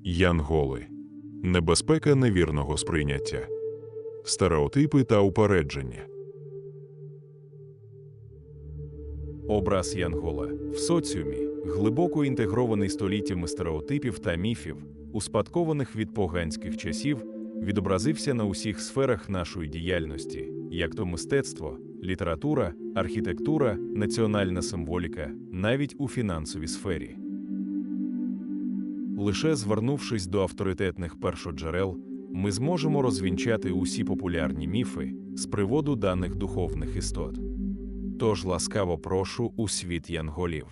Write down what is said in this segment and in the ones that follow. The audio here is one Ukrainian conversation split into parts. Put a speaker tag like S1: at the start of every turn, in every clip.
S1: Янголи. Небезпека невірного сприйняття. Стереотипи та упередження.
S2: Образ Янгола в соціумі глибоко інтегрований століттями стереотипів та міфів, успадкованих від поганських часів, відобразився на усіх сферах нашої діяльності, як то мистецтво, література, архітектура, національна символіка, навіть у фінансовій сфері. Лише звернувшись до авторитетних першоджерел, ми зможемо розвінчати усі популярні міфи з приводу даних духовних істот. Тож ласкаво прошу у світ янголів.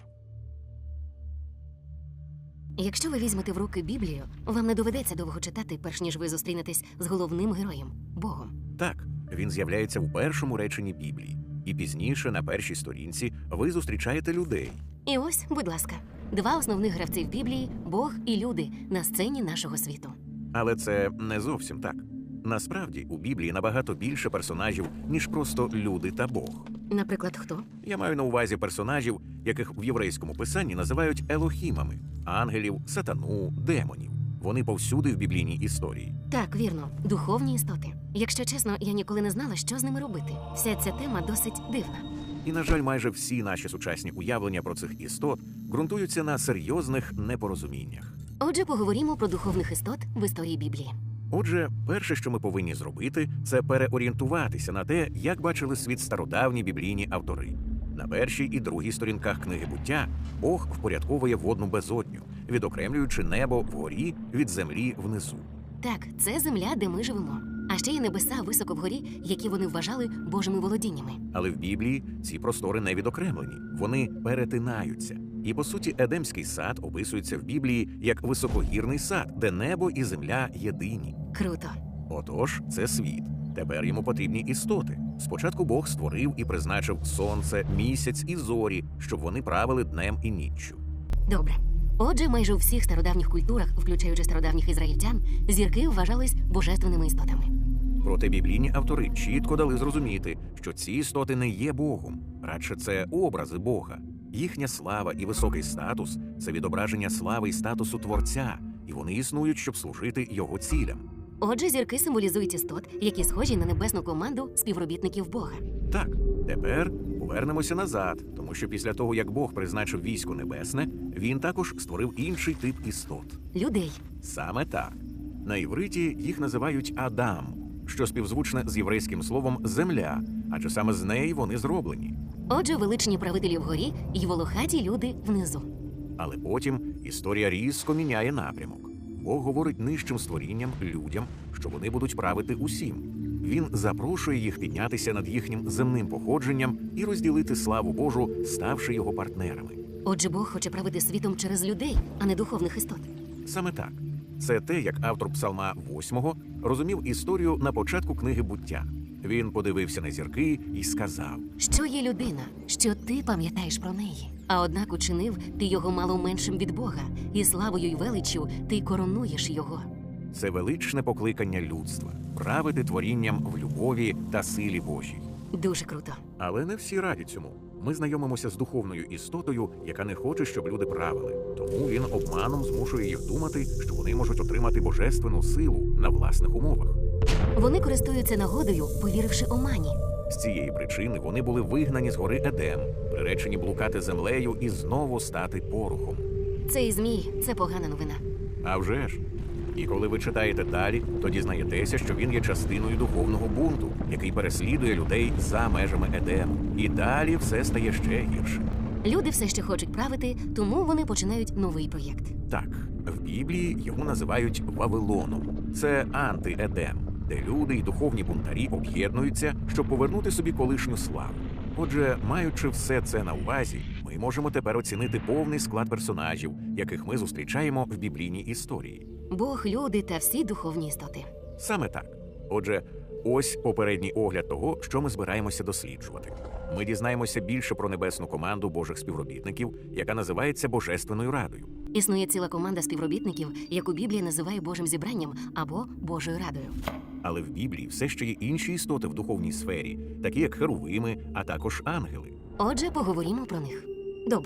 S3: Якщо ви візьмете в руки Біблію, вам не доведеться довго читати, перш ніж ви зустрінетесь з головним героєм – Богом.
S4: Так, він з'являється в першому реченні Біблії. І пізніше, на першій сторінці, ви зустрічаєте людей.
S3: І ось, будь ласка, два основних гравці в Біблії – Бог і люди на сцені нашого світу.
S4: Але це не зовсім так. Насправді, у Біблії набагато більше персонажів, ніж просто люди та Бог.
S3: Наприклад, хто?
S4: Я маю на увазі персонажів, яких в єврейському писанні називають елохімами – ангелів, сатану, демонів. Вони повсюди в біблійній історії.
S3: Так, вірно, духовні істоти. Якщо чесно, я ніколи не знала, що з ними робити. Вся ця тема досить дивна.
S4: І, на жаль, майже всі наші сучасні уявлення про цих істот ґрунтуються на серйозних непорозуміннях.
S3: Отже, поговоримо про духовних істот в історії Біблії.
S4: Отже, перше, що ми повинні зробити, це переорієнтуватися на те, як бачили світ стародавні біблійні автори. На першій і другій сторінках книги «Буття» Бог впорядковує водну безодню, відокремлюючи небо вгорі від землі внизу.
S3: Так, це земля, де ми живемо. А ще є небеса високо вгорі, які вони вважали Божими володіннями.
S4: Але в Біблії ці простори не відокремлені, вони перетинаються. І, по суті, Едемський сад описується в Біблії як високогірний сад, де небо і земля єдині.
S3: Круто.
S4: Отож, це світ. Тепер йому потрібні істоти. Спочатку Бог створив і призначив сонце, місяць і зорі, щоб вони правили днем і ніччю.
S3: Добре. Отже, майже у всіх стародавніх культурах, включаючи стародавніх ізраїльтян, зірки вважались божественними істотами.
S4: Проте біблійні автори чітко дали зрозуміти, що ці істоти не є Богом, радше це образи Бога. Їхня слава і високий статус – це відображення слави і статусу Творця, і вони існують, щоб служити його цілям.
S3: Отже, зірки символізують істот, які схожі на небесну команду співробітників Бога.
S4: Так, тепер повернемося назад, тому що після того, як Бог призначив військо небесне, він також створив інший тип істот.
S3: Людей.
S4: Саме так. На івриті їх називають Адам, що співзвучне з єврейським словом «земля», адже саме з неї вони зроблені.
S3: Отже, величні правителі вгорі і волохаті люди внизу.
S4: Але потім історія різко міняє напрямок. Бог говорить нижчим створінням, людям, що вони будуть правити усім. Він запрошує їх піднятися над їхнім земним походженням і розділити славу Божу, ставши його партнерами.
S3: Отже, Бог хоче правити світом через людей, а не духовних істот.
S4: Саме так. Це те, як автор Псалма 8 розумів історію на початку книги «Буття». Він подивився на зірки і сказав:
S3: Що є людина, що ти пам'ятаєш про неї? А однак учинив ти його мало меншим від Бога, і славою й величчю ти коронуєш його.
S4: це величне покликання людства – правити творінням в любові та силі Божій.
S3: Дуже круто.
S4: Але не всі раді цьому. Ми знайомимося з духовною істотою, яка не хоче, щоб люди правили. Тому він обманом змушує їх думати, що вони можуть отримати божественну силу на власних умовах.
S3: Вони користуються нагодою, повіривши омані.
S4: З цієї причини вони були вигнані з гори Едем, приречені блукати землею і знову стати порохом.
S3: Цей змій – це погана новина.
S4: А вже ж. І коли ви читаєте далі, то дізнаєтеся, що він є частиною духовного бунту, який переслідує людей за межами Едему. І далі все стає ще гірше.
S3: Люди все ще хочуть правити, тому вони починають новий проєкт.
S4: Так, в Біблії його називають Вавилоном. Це анти-Едем, де люди і духовні бунтарі об'єднуються, щоб повернути собі колишню славу. Отже, маючи все це на увазі, ми можемо тепер оцінити повний склад персонажів, яких ми зустрічаємо в біблійній історії.
S3: Бог, люди та всі духовні істоти.
S4: Саме так. Отже, ось попередній огляд того, що ми збираємося досліджувати. Ми дізнаємося більше про небесну команду Божих співробітників, яка називається Божественною Радою.
S3: Існує ціла команда співробітників, яку Біблія називає Божим зібранням або Божою Радою.
S4: Але в Біблії все ще є інші істоти в духовній сфері, такі як херувими, а також ангели.
S3: Отже, поговоримо про них. Добре.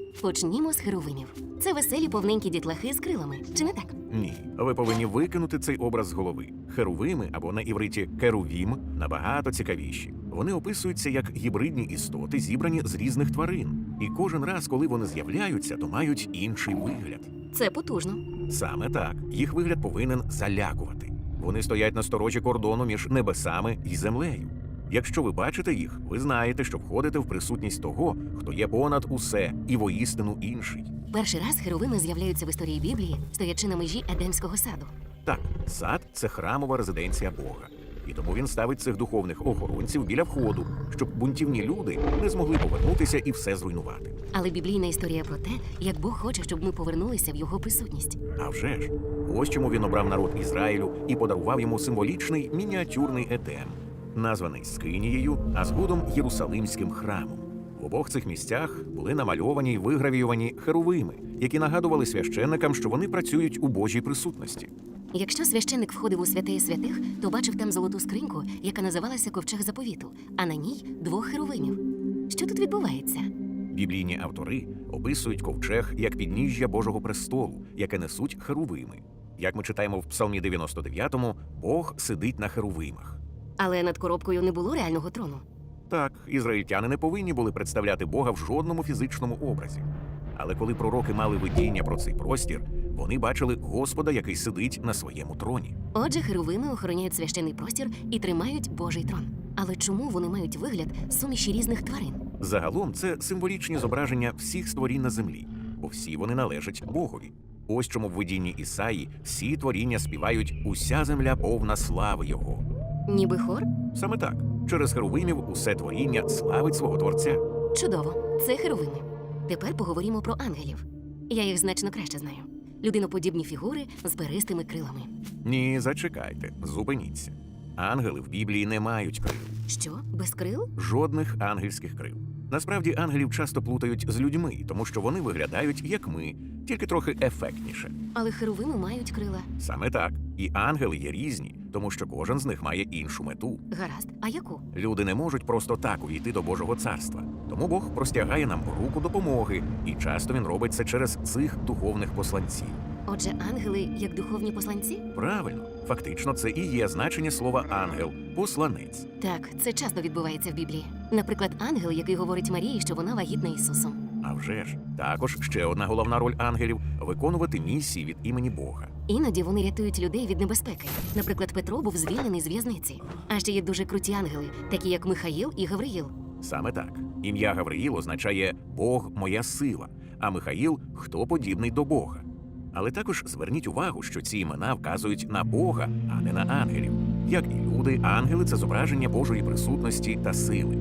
S3: Почнімо з херовимів. Це веселі повненькі дітлахи з крилами, чи не так?
S4: Ні, ви повинні викинути цей образ з голови. Херувими, або на івриті керувім, набагато цікавіші. Вони описуються як гібридні істоти, зібрані з різних тварин. І кожен раз, коли вони з'являються, то мають інший вигляд.
S3: Це потужно.
S4: Саме так, їх вигляд повинен залякувати. Вони стоять на сторожі кордону між небесами і землею. Якщо ви бачите їх, ви знаєте, що входите в присутність того, хто є понад усе і воістину інший.
S3: Перший раз херовими з'являються в історії Біблії, стоячи на межі Едемського саду.
S4: Так, сад – це храмова резиденція Бога. І тому він ставить цих духовних охоронців біля входу, щоб бунтівні люди не змогли повернутися і все зруйнувати.
S3: Але біблійна історія про те, як Бог хоче, щоб ми повернулися в його присутність.
S4: А вже ж, ось чому він обрав народ Ізраїлю і подарував йому символічний мініатюрний Едем, названий Скинією, а згодом Єрусалимським храмом. В обох цих місцях були намальовані й вигравіювані херувими, які нагадували священникам, що вони працюють у Божій присутності.
S3: Якщо священник входив у святеї святих, то бачив там золоту скриньку, яка називалася Ковчег заповіту, а на ній 2 херовимів. Що тут відбувається?
S4: Біблійні автори описують ковчег як підніжжя Божого престолу, яке несуть херувими. Як ми читаємо в Псалмі 99-му, Бог сидить на херувимах.
S3: Але над коробкою не було реального трону.
S4: Так, ізраїльтяни не повинні були представляти Бога в жодному фізичному образі. Але коли пророки мали видіння про цей простір, вони бачили Господа, який сидить на своєму троні.
S3: Отже, херовими охороняють священний простір і тримають Божий трон. Але чому вони мають вигляд суміші різних тварин?
S4: Загалом це символічні зображення всіх створінь на землі, бо всі вони належать Богові. Ось чому в видінні Ісаї всі творіння співають «Уся земля повна слави Його».
S3: Ніби хор?
S4: Саме так. Через херувимів усе творіння славить свого Творця.
S3: Чудово, це херовими. Тепер поговоримо про ангелів. Я їх значно краще знаю. Людиноподібні фігури з перистими крилами.
S4: Ні, зачекайте, зупиніться. Ангели в Біблії не мають крил.
S3: Що, без крил?
S4: Жодних ангельських крил. Насправді ангелів часто плутають з людьми, тому що вони виглядають як ми, тільки трохи ефектніше.
S3: Але херовими мають крила.
S4: Саме так. І ангели є різні, тому що кожен з них має іншу мету.
S3: Гаразд, а яку?
S4: Люди не можуть просто так увійти до Божого царства. Тому Бог простягає нам руку допомоги, і часто він робить це через цих духовних посланців.
S3: Отже, ангели як духовні посланці?
S4: Правильно, фактично це і є значення слова ангел, посланець.
S3: Так, це часто відбувається в Біблії. Наприклад, ангел, який говорить Марії, що вона вагітна Ісусом.
S4: А вже ж, також ще одна головна роль ангелів – виконувати місії від імені Бога.
S3: Іноді вони рятують людей від небезпеки. Наприклад, Петро був звільнений з в'язниці. А ще є дуже круті ангели, такі як Михаїл і Гавриїл.
S4: Саме так. Ім'я Гавриїл означає «Бог – моя сила», а Михаїл – «Хто подібний до Бога». Але також зверніть увагу, що ці імена вказують на Бога, а не на ангелів. Як і люди, ангели – це зображення Божої присутності та сили.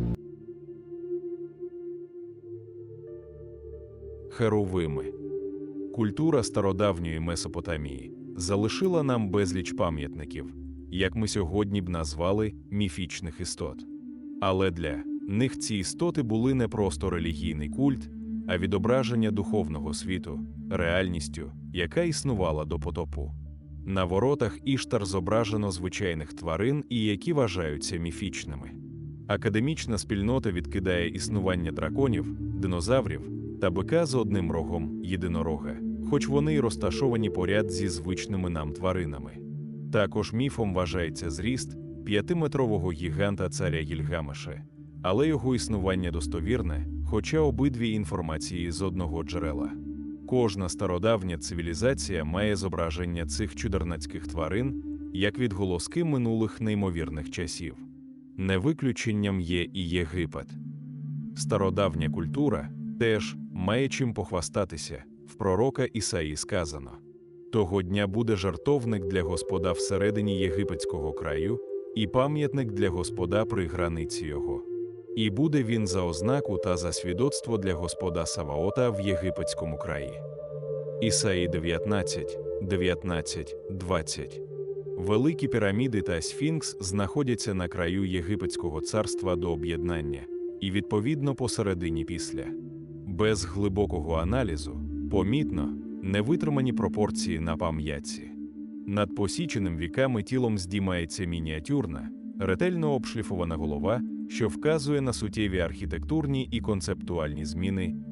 S2: Херовими. Культура стародавньої Месопотамії залишила нам безліч пам'ятників, як ми сьогодні б назвали міфічних істот. Але для них ці істоти були не просто релігійний культ, а відображення духовного світу, реальністю, яка існувала до потопу. На воротах Іштар зображено звичайних тварин, і які вважаються міфічними. Академічна спільнота відкидає існування драконів, динозаврів та бика з одним рогом єдинорога, хоч вони й розташовані поряд зі звичними нам тваринами. Також міфом вважається зріст 5-метрового гіганта царя Гільгамеша, але його існування достовірне, хоча обидві інформації з одного джерела. Кожна стародавня цивілізація має зображення цих чудернацьких тварин як відголоски минулих неймовірних часів. Не виключенням є і Єгипет. Стародавня культура теж має чим похвастатися. В пророка Ісаї сказано: «Того дня буде жертовник для Господа всередині єгипетського краю і пам'ятник для Господа при границі його. І буде він за ознаку та за свідоцтво для Господа Саваота в єгипетському краї». Ісаї 19, 19, 20. Великі піраміди та Сфінкс знаходяться на краю єгипетського царства до об'єднання і, відповідно, посередині після. Без глибокого аналізу помітно невитримані пропорції на пам'ятці. Над посіченим віками тілом здіймається мініатюрна, ретельно обшліфована голова, що вказує на суттєві архітектурні і концептуальні зміни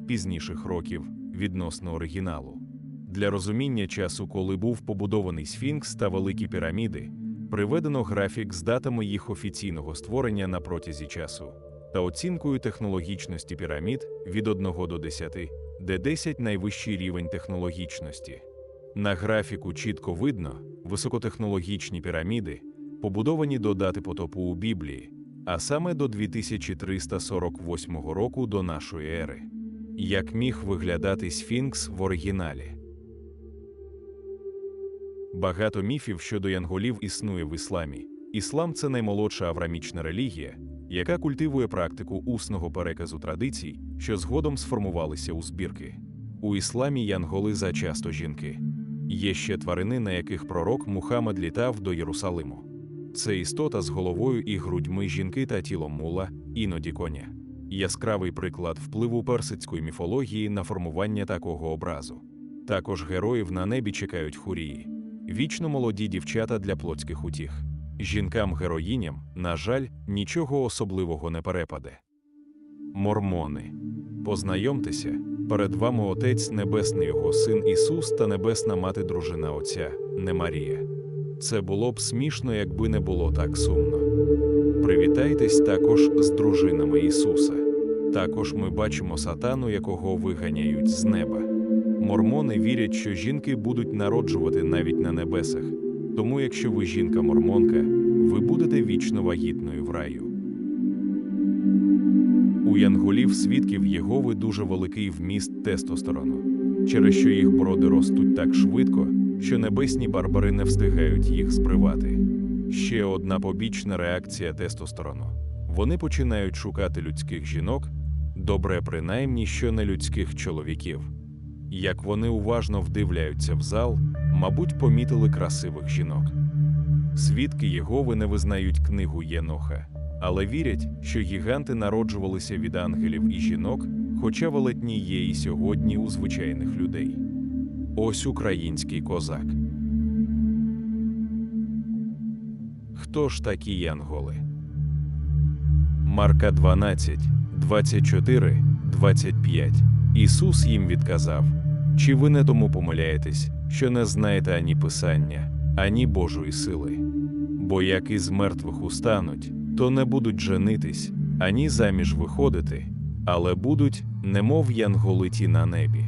S2: пізніших років відносно оригіналу. Для розуміння часу, коли був побудований Сфінкс та Великі піраміди, приведено графік з датами їх офіційного створення на протязі часу та оцінкою технологічності пірамід від 1 до 10, де 10 – найвищий рівень технологічності. На графіку чітко видно високотехнологічні піраміди, побудовані до дати потопу у Біблії, а саме до 2348 року до нашої ери. Як міг виглядати Сфінкс в оригіналі? Багато міфів щодо янголів існує в ісламі. Іслам – це наймолодша авраамічна релігія, яка культивує практику усного переказу традицій, що згодом сформувалися у збірки. У ісламі янголи зачасто жінки. Є ще тварини, на яких пророк Мухаммед літав до Єрусалиму. Це істота з головою і грудьми жінки та тілом мула, іноді коня. Яскравий приклад впливу персидської міфології на формування такого образу. Також героїв на небі чекають хурії – вічно молоді дівчата для плотських утіх. Жінкам-героїням, на жаль, нічого особливого не перепаде. Мормони. Познайомтеся, перед вами Отець Небесний, Його Син Ісус та Небесна Мати Дружина Отця, не Марія. Це було б смішно, якби не було так сумно. Привітайтесь також з дружинами Ісуса. Також ми бачимо сатану, якого виганяють з неба. Мормони вірять, що жінки будуть народжувати навіть на небесах. Тому якщо ви жінка-мормонка, ви будете вічно вагітною в раю. У янголів свідків Єгови дуже великий вміст тестостерону, через що їх броди ростуть так швидко, що небесні барбари не встигають їх збривати. Ще одна побічна реакція тестостерону. Вони починають шукати людських жінок, добре принаймні, що не людських чоловіків. Як вони уважно вдивляються в зал, мабуть, помітили красивих жінок. Свідки Єгови не визнають книгу Єноха, але вірять, що гіганти народжувалися від ангелів і жінок, хоча велетні є і сьогодні у звичайних людей. Ось український козак. Хто ж такі янголи? Марка 12, 24, 25. Ісус їм відказав: «Чи ви не тому помиляєтесь, що не знаєте ані Писання, ані Божої сили? Бо як із мертвих устануть, то не будуть женитись, ані заміж виходити, але будуть, немов янголи ті на небі».